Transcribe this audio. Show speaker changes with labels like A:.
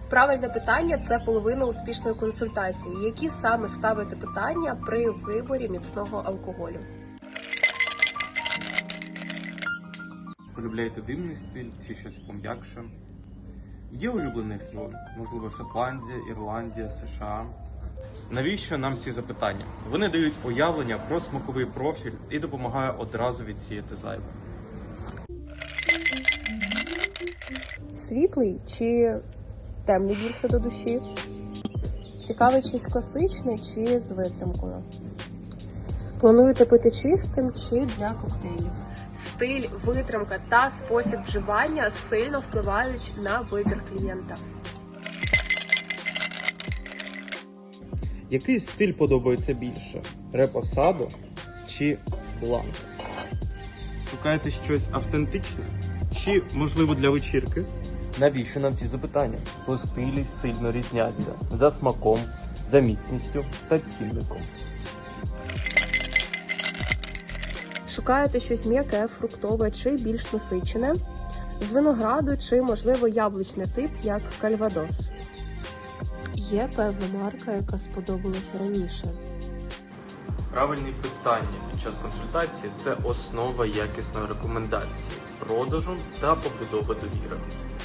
A: Правильне питання – це половина успішної консультації. Які саме ставити питання при виборі міцного алкоголю?
B: Полюбляєте димний стиль чи щось пом'якше? Є улюблений регіон? Можливо, Шотландія, Ірландія, США? Навіщо нам ці запитання? Вони дають уявлення про смаковий профіль і допомагають одразу відсіяти зайве.
A: Світлий чи темний більше до душі? Цікавий щось класичне чи з витримкою? Плануєте пити чистим чи для коктейлів? Стиль, витримка та спосіб вживання сильно впливають на вибір клієнта.
B: Який стиль подобається більше? Репосадо чи бланк? Шукаєте щось автентичне? Чи, можливо, для вечірки? Навіщо нам ці запитання? Бо стилі сильно різняться за смаком, за міцністю та цінником.
A: Шукаєте щось м'яке, фруктове чи більш насичене? З винограду чи, можливо, яблучний тип, як кальвадос? Є певна марка, яка сподобалася раніше?
B: Правильні питання під час консультації – це основа якісної рекомендації, продажу та побудови довіри.